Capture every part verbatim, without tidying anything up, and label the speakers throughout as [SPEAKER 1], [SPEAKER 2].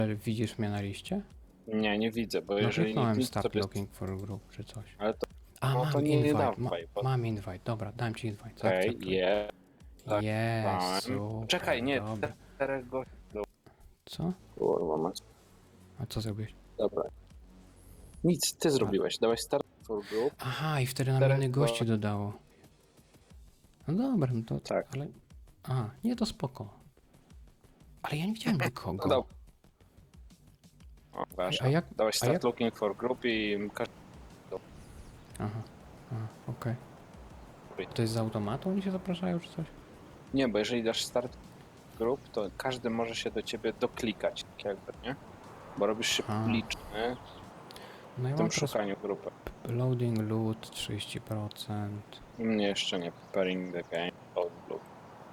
[SPEAKER 1] Widzisz mnie na liście?
[SPEAKER 2] Nie, nie widzę, bo
[SPEAKER 1] No
[SPEAKER 2] jeżeli nie
[SPEAKER 1] kliknąłem
[SPEAKER 2] widzę,
[SPEAKER 1] start
[SPEAKER 2] to jest...
[SPEAKER 1] looking for group czy coś.
[SPEAKER 2] Ale to...
[SPEAKER 1] A,
[SPEAKER 2] no
[SPEAKER 1] mam
[SPEAKER 2] to nie
[SPEAKER 1] invite,
[SPEAKER 2] dawaj,
[SPEAKER 1] ma,
[SPEAKER 2] bo-
[SPEAKER 1] mam invite, dobra, dałem ci invite,
[SPEAKER 2] Okej,
[SPEAKER 1] zaakceptuj.
[SPEAKER 2] je... tak,
[SPEAKER 1] Jest,
[SPEAKER 2] dałem.
[SPEAKER 1] super,
[SPEAKER 2] Czekaj, nie,
[SPEAKER 1] dobra.
[SPEAKER 2] czterech gości.
[SPEAKER 1] Co?
[SPEAKER 2] Kurwa mać.
[SPEAKER 1] A co zrobiłeś?
[SPEAKER 2] Dobra. Nic, ty zrobiłeś. Dałeś start for group.
[SPEAKER 1] Aha, i wtedy nam
[SPEAKER 2] Czterech
[SPEAKER 1] innych gości
[SPEAKER 2] gości.
[SPEAKER 1] dodało. No dobra, no to...
[SPEAKER 2] Tak.
[SPEAKER 1] Ale... A, nie, to spoko. Ale ja nie widziałem
[SPEAKER 2] No
[SPEAKER 1] nikogo.
[SPEAKER 2] dobra. O, wasza.
[SPEAKER 1] A jak-
[SPEAKER 2] Dałeś
[SPEAKER 1] a
[SPEAKER 2] start
[SPEAKER 1] jak-
[SPEAKER 2] looking for group i... każdy-
[SPEAKER 1] Aha, aha, okej. To jest z automatu? Oni się zapraszają czy coś?
[SPEAKER 2] Nie, bo jeżeli dasz start group, to każdy może się do ciebie doklikać, tak jakby, nie? Bo robisz się
[SPEAKER 1] A.
[SPEAKER 2] publiczny
[SPEAKER 1] No ja
[SPEAKER 2] w
[SPEAKER 1] mam
[SPEAKER 2] tym
[SPEAKER 1] teraz
[SPEAKER 2] szukaniu grupy.
[SPEAKER 1] loading loot trzydzieści procent.
[SPEAKER 2] U mnie jeszcze nie. Preparing the game. Load group.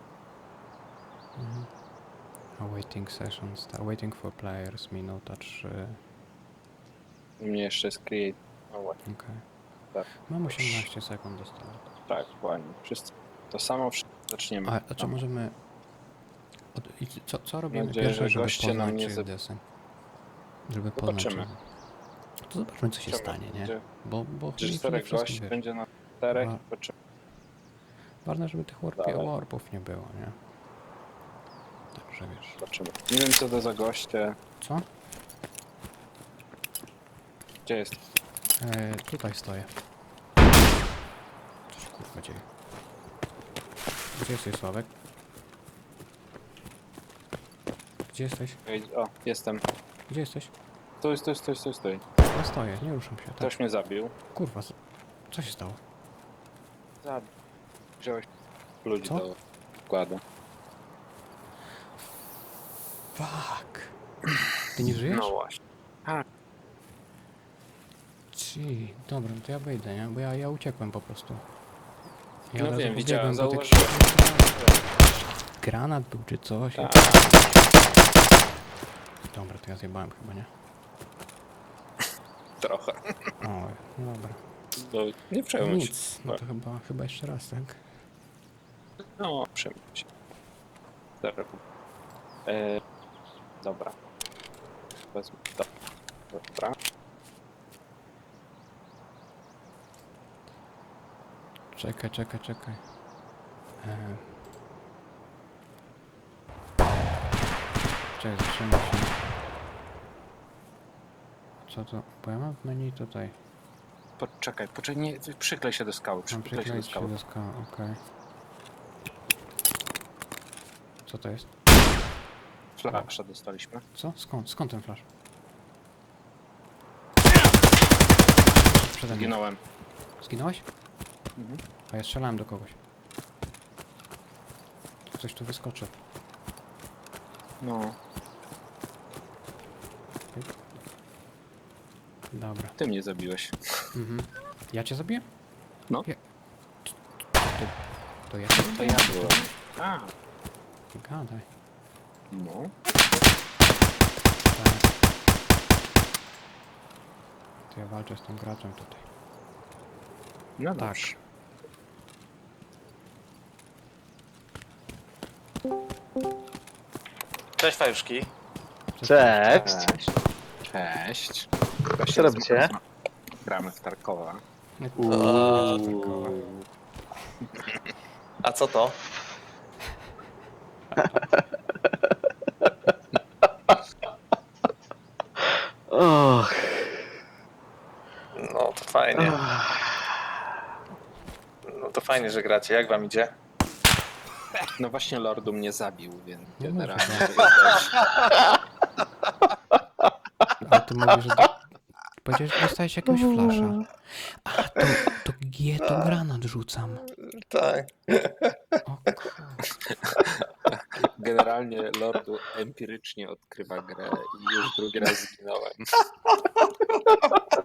[SPEAKER 1] Mhm. Awaiting session, start, waiting for players, minuta trzy.
[SPEAKER 2] U mnie jeszcze jest create. O, właśnie.
[SPEAKER 1] Okej.
[SPEAKER 2] Tak.
[SPEAKER 1] Mam osiemnaście sekund do startu.
[SPEAKER 2] Tak, ładnie. Wszyscy. To samo wszyscy zaczniemy.
[SPEAKER 1] A, a czy możemy... Od, i co, co robimy
[SPEAKER 2] nadzieję,
[SPEAKER 1] pierwsze,
[SPEAKER 2] że
[SPEAKER 1] żeby
[SPEAKER 2] goście nam
[SPEAKER 1] poznać,
[SPEAKER 2] nie
[SPEAKER 1] czy jest
[SPEAKER 2] zap-
[SPEAKER 1] deseń? Żeby poznać,
[SPEAKER 2] Zobaczymy.
[SPEAKER 1] czy... To zobaczmy, co się
[SPEAKER 2] Zobaczymy.
[SPEAKER 1] stanie, nie?
[SPEAKER 2] Będzie-
[SPEAKER 1] Bo, bo
[SPEAKER 2] Że
[SPEAKER 1] nie- nie
[SPEAKER 2] czterech
[SPEAKER 1] wszystkim
[SPEAKER 2] gości
[SPEAKER 1] wiesz.
[SPEAKER 2] będzie na czterech.
[SPEAKER 1] Dwa.
[SPEAKER 2] Zobaczymy.
[SPEAKER 1] Ważne, żeby tych warpie,
[SPEAKER 2] Dawaj.
[SPEAKER 1] warpów nie było, nie? Także wiesz.
[SPEAKER 2] Zobaczymy. Nie wiem co to za goście.
[SPEAKER 1] Co?
[SPEAKER 2] Gdzie jest?
[SPEAKER 1] E, tutaj stoję. Co się kurwa dzieje? Gdzie jesteś, Sławek? Gdzie jesteś?
[SPEAKER 2] Ej, o, jestem.
[SPEAKER 1] Gdzie jesteś?
[SPEAKER 2] Stój, stój, stój, stój, stój.
[SPEAKER 1] Ja stoję, nie ruszam się. Tak.
[SPEAKER 2] Ktoś mnie zabił.
[SPEAKER 1] Kurwa, z- co się stało?
[SPEAKER 2] Zabił. Wziąłeś ludzi
[SPEAKER 1] Co?
[SPEAKER 2] do wkładu.
[SPEAKER 1] Fuck. Ty nie żyjesz?
[SPEAKER 2] No właśnie.
[SPEAKER 1] Ci, dobra, no to ja wyjdę, nie? Bo ja, ja uciekłem po prostu. Ja
[SPEAKER 2] No
[SPEAKER 1] od razu
[SPEAKER 2] wiem,
[SPEAKER 1] pobiegłem
[SPEAKER 2] widziałem,
[SPEAKER 1] po tych-
[SPEAKER 2] zauważyłem.
[SPEAKER 1] Granat był czy coś.
[SPEAKER 2] Tak.
[SPEAKER 1] Dobra, to ja zjebałem chyba, nie?
[SPEAKER 2] Trochę.
[SPEAKER 1] Oj, no dobra.
[SPEAKER 2] No, nie przejmuj się.
[SPEAKER 1] Nic, no to chyba, chyba jeszcze raz, tak?
[SPEAKER 2] No, przejmuj się. Dobra. E, dobra. Wezmę to. Dobra.
[SPEAKER 1] Czekaj, czekaj, czekaj. Eee. Czekaj, zatrzymaj się. Co to? Bo ja mam w menu tutaj.
[SPEAKER 2] Poczekaj, poczekaj, nie, przyklej się do skały,
[SPEAKER 1] Mam
[SPEAKER 2] przyklej się do
[SPEAKER 1] przykleić się
[SPEAKER 2] skały.
[SPEAKER 1] do skała, okej. Co to jest?
[SPEAKER 2] Flasza dostaliśmy.
[SPEAKER 1] Co? Skąd? Skąd ten flash? Przede mną.
[SPEAKER 2] Zginąłem.
[SPEAKER 1] Zginąłeś?
[SPEAKER 2] Mhm.
[SPEAKER 1] A ja strzelałem do kogoś. Ktoś tu wyskoczy.
[SPEAKER 2] No,
[SPEAKER 1] Dobra.
[SPEAKER 2] ty mnie zabiłeś.
[SPEAKER 1] Mhm. Ja cię zabiję?
[SPEAKER 2] No.
[SPEAKER 1] Ja... To, to ja cię
[SPEAKER 2] To
[SPEAKER 1] zabiję?
[SPEAKER 2] ja byłem. A,
[SPEAKER 1] Gadaj.
[SPEAKER 2] no.
[SPEAKER 1] Tak. To ja walczę z tym graczem tutaj.
[SPEAKER 2] No
[SPEAKER 1] Tak.
[SPEAKER 2] dobrze.
[SPEAKER 3] Cześć Fajuszki.
[SPEAKER 4] Cześć.
[SPEAKER 2] Cześć.
[SPEAKER 4] Co robicie?
[SPEAKER 2] Gramy w Tarkowa.
[SPEAKER 1] O, takowa.
[SPEAKER 3] A co to?
[SPEAKER 4] Och.
[SPEAKER 3] No to fajnie. No to fajnie, że gracie. Jak wam idzie?
[SPEAKER 2] No właśnie Lordu mnie zabił, więc
[SPEAKER 1] No
[SPEAKER 2] generalnie
[SPEAKER 1] dobrze.
[SPEAKER 2] to jest dość...
[SPEAKER 1] A ty mówisz, że... Powiedziałeś, że dostałeś jakiegoś flasza. A, to, to G, to granat rzucam.
[SPEAKER 3] Tak.
[SPEAKER 1] O kurwa.
[SPEAKER 2] Generalnie Lordu empirycznie odkrywa grę i już drugi raz zginąłem.